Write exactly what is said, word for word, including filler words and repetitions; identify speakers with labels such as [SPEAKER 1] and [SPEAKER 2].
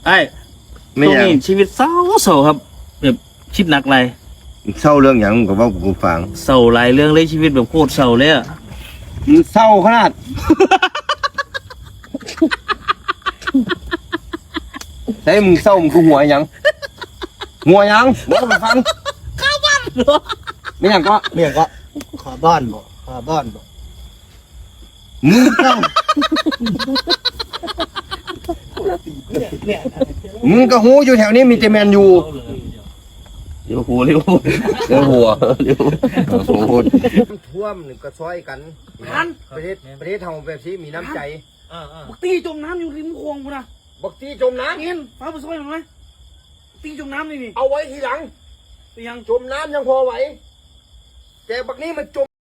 [SPEAKER 1] ไอ้ตรงนี้ชีวิตเศร้าเศร้าครับแบบคิดหนักไร
[SPEAKER 2] เศร้าเรื่องอย่างกับว่ากูฟัง
[SPEAKER 1] เศร้าหลายเรื่องเลยชีวิตแบบโคตรเศร้าเลยอะ
[SPEAKER 2] มึงเศร้าขนาดแต่มึงเศร้ามึงกูหัวยังหัวยังบอกมาฟังข้าวบ้านไม่ยังก็
[SPEAKER 3] เรียกก็ขาบ้านบ่ขาบ้านบ่
[SPEAKER 2] มึงเศร้ามึงก็หูอยู่แถวนี้มีแต่แมนยู
[SPEAKER 1] เดี๋ยวหัวเดี๋ยวหัว
[SPEAKER 2] เดี๋ยวหัวเดี๋ยวหัวท่วมหนึ่งก็ช่วยกันประเทศประเทศทำแบบนี้มีน้ำใจ
[SPEAKER 4] บักตีจมน้ำอยู่ริมคลองกูนะ
[SPEAKER 2] บักตีจมน้
[SPEAKER 4] เห็นฟ้าไปซอยมันไหมตีจมน้ำนี่นี่
[SPEAKER 2] ำเอาไว้ทีหลัง
[SPEAKER 4] ตียัง
[SPEAKER 2] จมน้ำยังพอไหวแต่บักนี้มันจม